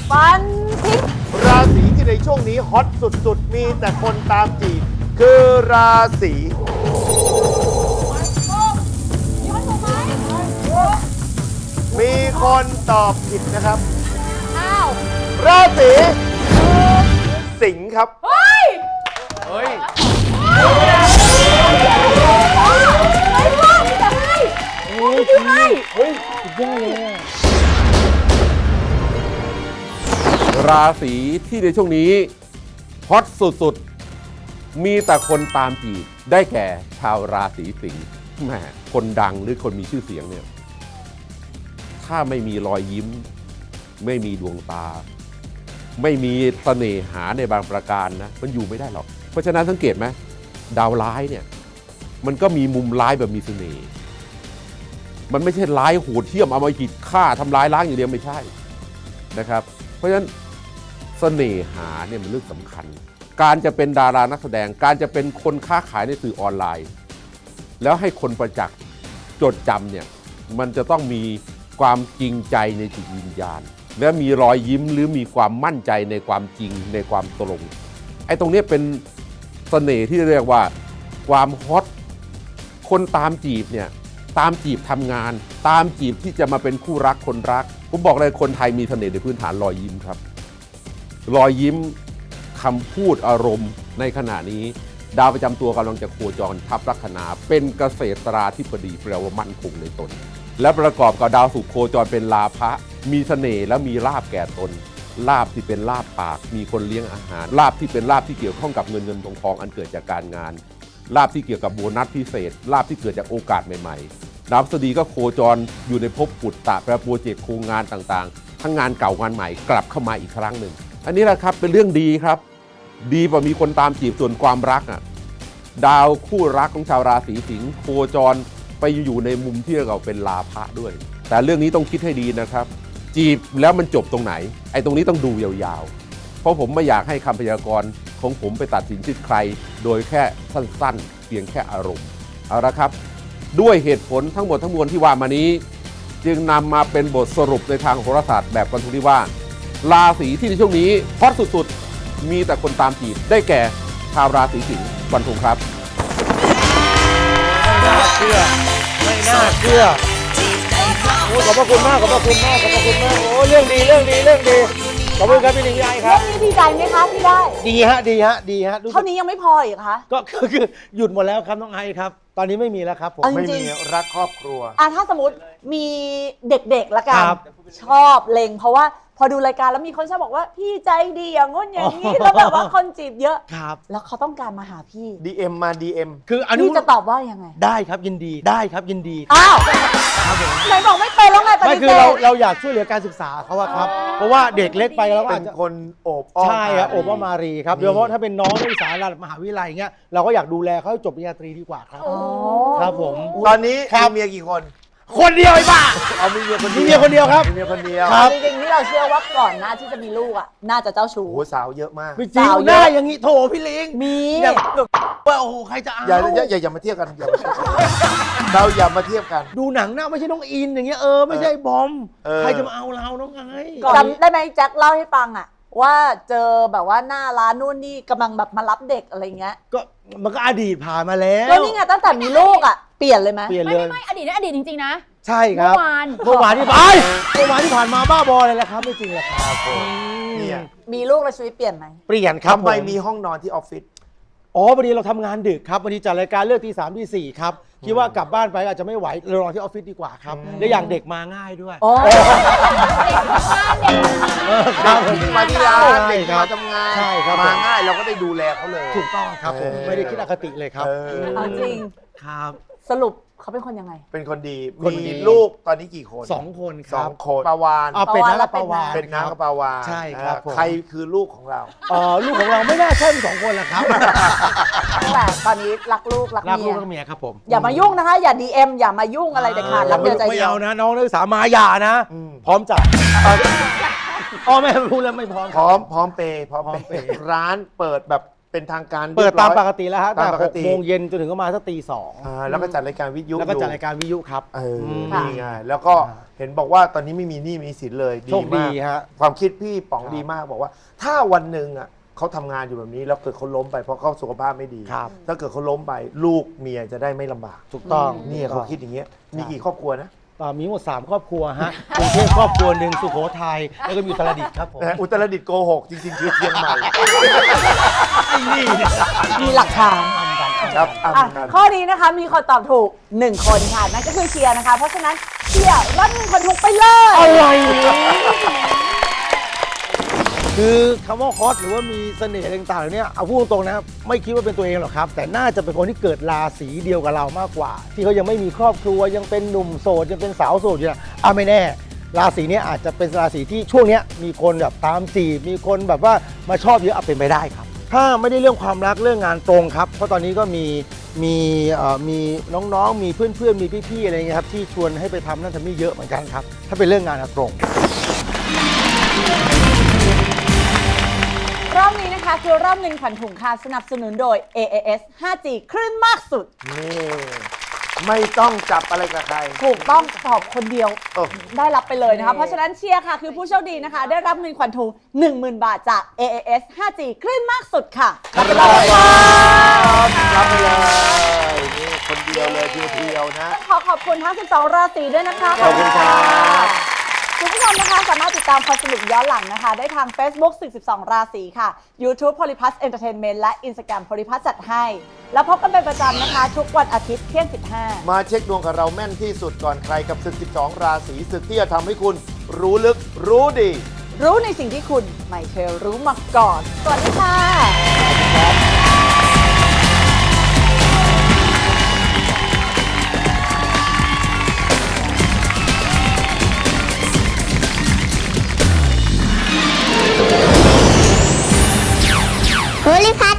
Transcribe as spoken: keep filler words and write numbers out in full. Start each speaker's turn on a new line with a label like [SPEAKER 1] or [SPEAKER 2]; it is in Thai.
[SPEAKER 1] ฟันทิ้ง
[SPEAKER 2] ราศีที่ในช่วงนี้ฮอตสุดๆมีแต่คนตามจีบคือราศีมีคนตอบผิดนะครับอ้าวราศีสิงห์ครับเฮ้ยเฮ้ย
[SPEAKER 3] ราศีที่ในช่วงนี้ฮอตสุดๆมีแต่คนตามจีบได้แก่ชาวราศีสิงห์แหมคนดังหรือคนมีชื่อเสียงเนี่ยถ้าไม่มีรอยยิ้มไม่มีดวงตาไม่มีเสน่หาในบางประการนะมันอยู่ไม่ได้หรอกเพราะฉะนั้นสังเกตไหมดาวร้ายเนี่ยมันก็มีมุมร้ายแบบมีเสน่ห์มันไม่ใช่ร้ายโหดเหี้ยมเอามาหิดฆ่าทำร้ายล้างอย่างเดียวไม่ใช่นะครับเพราะฉะนั้นเสน่หาเนี่ยมันเรื่องสำคัญการจะเป็นดารานักแสดงการจะเป็นคนค้าขายในสื่อออนไลน์แล้วให้คนประจักษ์จดจำเนี่ยมันจะต้องมีความจริงใจในจิตวิญญาณและมีรอยยิ้มหรือมีความมั่นใจในความจริงในความตรงไอ้ตรงนี้เป็นเสน่ห์ที่เรียกว่าความฮอตคนตามจีบเนี่ยตามจีบทำงานตามจีบที่จะมาเป็นคู่รักคนรักผมบอกเลยคนไทยมีเสน่ห์ในพื้นฐานรอยยิ้มครับรอยยิ้มคำพูดอารมณ์ในขณะนี้ดาวประจำตัวกำลังจะโคจรทับลัคนาเป็นเกษตราธิบดีแปลว่ามั่นคงในตนและประกอบกับดาวศุกร์โคจรเป็นลาภะมีเสน่ห์และมีลาภแก่ตนลาภที่เป็นลาภปากมีคนเลี้ยงอาหารลาภที่เป็นลาภที่เกี่ยวข้องกับเงินเงินทองทองอันเกิดจากการงานลาภที่เกี่ยวกับโบนัสพิเศษลาภที่เกิดจากโอกาสใหม่ๆดาวพฤหัสบดีก็โคจรอยู่ในภพปุตตะแปลโปรเจกต์โครงงานต่างๆทั้งงานเก่างานใหม่กลับเข้ามาอีกครั้งหนึ่งอันนี้แหละครับเป็นเรื่องดีครับดีกว่ามีคนตามจีบส่วนความรักอ่ะดาวคู่รักของชาวราศีสิงห์โคจรไปอยู่ในมุมที่เราเป็นลาภะด้วยแต่เรื่องนี้ต้องคิดให้ดีนะครับจีบแล้วมันจบตรงไหนไอ้ตรงนี้ต้องดูยาวๆเพราะผมไม่อยากให้คำพยากรณ์ของผมไปตัดสินชีวิตใครโดยแค่สั้นๆเพียงแค่อารมณ์เอาละครับด้วยเหตุผลทั้งหมดทั้งมวลที่ว่ามานี้จึงนำมาเป็นบทสรุปในทางโหราศาสตร์แบบฟันธงที่ว่าราศีที่ในช่วงนี้ฮอตสุดๆมีแต่คนตามจีบได้แก่ชาวราศีสิงห์ฟันธงครับ
[SPEAKER 4] ไม่น่าเชื่อไม่น่าเชื่อโอ้ขอบพระคุณมากขอบพระคุณมากขอบพระคุณมากโอ้เรื่องดีเรื่องดีเรื่องดีขอบคุณครับพี่หนิงพี่ไอครับ
[SPEAKER 1] เรื่องนี้ดีใจไหมคะที่ได้
[SPEAKER 4] ดีฮะดีฮะดีฮะ
[SPEAKER 1] เท่านี้ยังไม่พออีกคะ
[SPEAKER 4] ก็คือหยุดหมดแล้วครับน้องไอครับตอนนี้ไม่มีแล้วครับผม
[SPEAKER 2] ไม่มีรักครอบครัว
[SPEAKER 1] อ่ะถ้าสมมติมีเด็กๆละกันชอบเล็งเพราะว่าพอดูรายการแล้วมีคนชอบบอกว่าพี่ใจดีอย่างงู้นอย่างนี้แล้วแบบว่าคนจีบเยอะ
[SPEAKER 4] ครับ
[SPEAKER 1] แล้วเขาต้องการมาหาพี่
[SPEAKER 2] ดี เอ็ม มา ดี เอ็ม
[SPEAKER 4] คืออันนี้
[SPEAKER 1] พี่จะตอบว่ายังไง
[SPEAKER 4] ได้ครับยินดีได้ครับยินดี
[SPEAKER 1] อ้าวไหนบอกไม่เป็นแล้วไงปฏิเสธ
[SPEAKER 4] ไม่คือเราเราอยากช่วยเหลือการศึกษาเขาอะครับเพราะว่าเด็กเล็กไปแล้วก็อาจจะ
[SPEAKER 2] คนโอบอ้อม
[SPEAKER 4] ใช่ครับโอบอ้อมมารีครับโดยเฉพาะถ้าเป็นน้องนักศึกษาระดับมหาวิทยาลัยอย่างเงี้ยเราก็อยากดูแลเขาให้จบปริญญาตรีดีกว่าครับครับผม
[SPEAKER 2] ตอนนี้มีเมียกี่คน
[SPEAKER 4] คนเดียวไอ้บ้า
[SPEAKER 2] เอามีเมียคนเดียว
[SPEAKER 4] มีเมียคนเดียวครับ
[SPEAKER 2] มีเมียคนเดียว
[SPEAKER 1] จริงๆที่เราเชื่อว่าก่อนหน้าที่จะมีลูกอ่ะน่าจะเจ้าชู้
[SPEAKER 2] โอ้สาวเยอะมาก
[SPEAKER 4] ไม่จริงหน้าอย่างนี้โถพี่ลิง
[SPEAKER 1] มี
[SPEAKER 4] อย่างว่าโอ้โหใครจะเอา
[SPEAKER 2] อย่าอย่าอย่าอย่ามาเทียบกันอย่ามาเทียบกันเราอย่ามาเทียบกัน
[SPEAKER 4] ดูหนังหน้าไม่ใช่น้องอินอย่างเงี้ยเออไม่ใช่บอมใครจะมาเอาเราน้องไง
[SPEAKER 1] จำได้ไหมแจ็คเล่าให้ฟังอ่ะว่าเจอแบบว่าหน้าร้านนู่นนี่กำลังแบบมารับเด็กอะไรเงี้ย
[SPEAKER 4] ก็มันก็อดีตผ่านมาแล้ว
[SPEAKER 1] ก็นี่ไงตั้งแต่มีลูกอ่ะเปลี่ยนเลยไหม
[SPEAKER 4] เปลี่ยนเลย
[SPEAKER 5] ไม่ไม่อดีตนี่อดีตจริงๆนะ
[SPEAKER 4] ใช่ครับ
[SPEAKER 5] เมื่อวาน
[SPEAKER 4] เมื่อวานที่ผ่านเมื่อวานที่ผ่านมาบ้าบอเลยแหละครับไม่จริงแหละครับ
[SPEAKER 2] เนี่ย
[SPEAKER 1] มีลูกแล้วชีวิตเปลี่ยนไหม
[SPEAKER 4] เปลี่ยนครับ
[SPEAKER 2] ทำไมมีห้องนอนที่ออฟฟิศ
[SPEAKER 4] อ๋อวันนี้เราทำงานดึกครับวันนี้จัดรายการเลิกตีสามตีสี่ครับคิดว่ากลับบ้านไปอาจจะไม่ไหวเรานอนที่ออฟฟิศดีกว่าครับและอย่างเด็กมาง่ายด้วย
[SPEAKER 2] มาที่ร้านเด็กมาทำงานมาง่ายเราก็ได้ดูแลเขาเลย
[SPEAKER 4] ถูกต้องครับผมไม่ได้คิดอคติเลยครับ
[SPEAKER 1] เอาจริง
[SPEAKER 4] ครับ
[SPEAKER 1] สรุปเขาเป็นคนยังไง
[SPEAKER 2] เป็นคนดีมีลูกตอนนี้กี่คน
[SPEAKER 4] สองคนค
[SPEAKER 2] ส
[SPEAKER 4] รั
[SPEAKER 2] อบ งคนปาวาน
[SPEAKER 4] เป็นน้ากับปาวาน
[SPEAKER 2] เป็นน้ากับปาวาน
[SPEAKER 4] ใช่ครับ
[SPEAKER 2] ใครคือลูกของเรา
[SPEAKER 4] อ๋อลูกของเราไม่น่าใช่เป็นสองคนละครับ
[SPEAKER 1] แต่ตอนนี้รักลูกรักเมีย
[SPEAKER 4] รักลูกรักเมียครับผม
[SPEAKER 1] อย่ามายุ่งนะคะอย่า ดี เอ็ม อย่ามายุ่งอะไรเด็ดขาดรักเดียวใจเดียว
[SPEAKER 4] ไม่เอานะน้องนักศึกษามาอย่านะพร้อมจัดพ่อแม่พูดแล้วไม่พร้อม
[SPEAKER 2] พร้อมพร้อมเปย์พร้อมเปย์ร้านเปิดแบบเป็นทางการ
[SPEAKER 4] เปิดตาม
[SPEAKER 2] รียบร้อย
[SPEAKER 4] ปกติแล้วฮะ
[SPEAKER 2] ตา
[SPEAKER 4] ตั้
[SPEAKER 2] ม
[SPEAKER 4] ง
[SPEAKER 2] ป
[SPEAKER 4] แต่
[SPEAKER 2] ก
[SPEAKER 4] ห
[SPEAKER 2] ติ
[SPEAKER 4] กโมงเย็นจนถึงประมาณสักตีสอง
[SPEAKER 2] อ่าแล้วก็จัดรายการวิทยุ
[SPEAKER 4] แล้วก็
[SPEAKER 2] อยู่
[SPEAKER 4] จัดรายการวิทยุครับ
[SPEAKER 2] เออ
[SPEAKER 4] ม
[SPEAKER 2] นี่ไงแล้วก็เห็นบอกว่าตอนนี้ไม่มีหนี้มีสินเลย
[SPEAKER 4] โชคดี
[SPEAKER 2] มาก
[SPEAKER 4] ฮะ
[SPEAKER 2] ความคิดพี่ป๋อง
[SPEAKER 4] ครับ
[SPEAKER 2] ดีมากบอกว่า ถ้าวันหนึ่งอ่ะเขาทำงานอยู่แบบนี้แล้วเกิดเขาล้มไปเพราะเขาสุขภาพไม่ดี
[SPEAKER 4] ครับ
[SPEAKER 2] ถ้าเกิดเขาล้มไปลูกเมียจะได้ไม่ลำบาก
[SPEAKER 4] ถูกต้อง
[SPEAKER 2] นี่เขาคิดอย่างเงี้ยมีกี่ครอบครัวนะ
[SPEAKER 4] อ่ามีหมดสามครอบครัวฮะกรุงเทพครอบครัวหนึ่งสุโขทัยแล้วก็มีอุตรดิตถ์ครับผม
[SPEAKER 2] นะอุตรดิตถ์โกหกจริงๆคือเชียงใหม่
[SPEAKER 4] ไอ้นี่เนี่ย
[SPEAKER 1] มีหลักฐาน
[SPEAKER 2] ครับอ่ะ
[SPEAKER 1] อ่ะ
[SPEAKER 2] เหมือนกัน
[SPEAKER 1] ข้อนี้นะคะมีคนตอบถูกหนึ่งคนค่ะ นั่นก็คือเชียร์นะคะ เพราะฉะนั้นเชียร์รับเงินคนถูกไปเลย
[SPEAKER 4] อะไรคือคำว่าฮอตหรือว่ามีเสน่ห์อะไรต่างๆเนี่ยเอาพูดตรงๆนะครับไม่คิดว่าเป็นตัวเองหรอกครับ แต่น่าจะเป็นคนที่เกิดราศีเดียวกับเรามากกว่า ที่เขายังไม่มีครอบครัวยังเป็นหนุ่มโสดยังเป็นสาวโสดอยู่นะอ่ะไม่แน่ ราศีเนี้อาจจะเป็นราศีที่ช่วงเนี้ยมีคนแบบตามจีบมีคนแบบว่ามาชอบเยอะเอาเป็นไปได้ครับ ถ้าไม่ได้เรื่องความรักเรื่องงานตรงครับ เพราะตอนนี้ก็มีมีเอ่อมีน้องๆ มีเพื่อนๆ มีพี่ๆ อะไรเงี้ยครับที่ชวนให้ไปทำนั่นทำนี่เยอะเหมือนกันครับ ถ้าเป็นเรื่องงานอะตรง
[SPEAKER 1] รอบนี้นะคะคือรอบเงินขวัญถุงค่ะสนับสนุนโดย เอ เอ เอส ไฟว์จี คลื่นมากสุด
[SPEAKER 2] นี่ไม่ต้องจับอะไรกับใคร
[SPEAKER 1] ถูกต้องตอบคนเดียว
[SPEAKER 2] เออ
[SPEAKER 1] ได้รับไปเลยนะคะ เพราะฉะนั้นเชียร์ค่ะ คือผู้โชคดีนะคะ ได้รับเงินขวัญถุง หนึ่งหมื่น บาทจาก เอ เอ เอส ไฟว์จี คลื่นมากสุดค่ะรับไปเลย
[SPEAKER 2] รับไปเลยนี่คนเดียวเลยเพียวๆนะ
[SPEAKER 1] ขอขอบคุณทั้งสิบสองราศีด้วยนะคะ
[SPEAKER 2] ขอบคุณครับ
[SPEAKER 1] คุณผู้ชมนะคะสามารถติดตามความสนุกย้อนหลังนะคะ ได้ทาง Facebook สิบสอง ราศีค่ะ YouTube Polyplus Entertainment และ Instagram Polyplus จัดให้ แล้วพบกันเป็นประจำนะคะ ทุกวันอาทิตย์เที่ยงสิบห้า
[SPEAKER 2] มาเช็คดวงกับเราแม่นที่สุดก่อนใครกับศึก สิบสอง ราศีศึกที่จะทำให้คุณรู้ลึกรู้ดี
[SPEAKER 1] รู้ในสิ่งที่คุณไม่เคยรู้มาก่อน สวัสดีค่ะ
[SPEAKER 5] โพลิพัท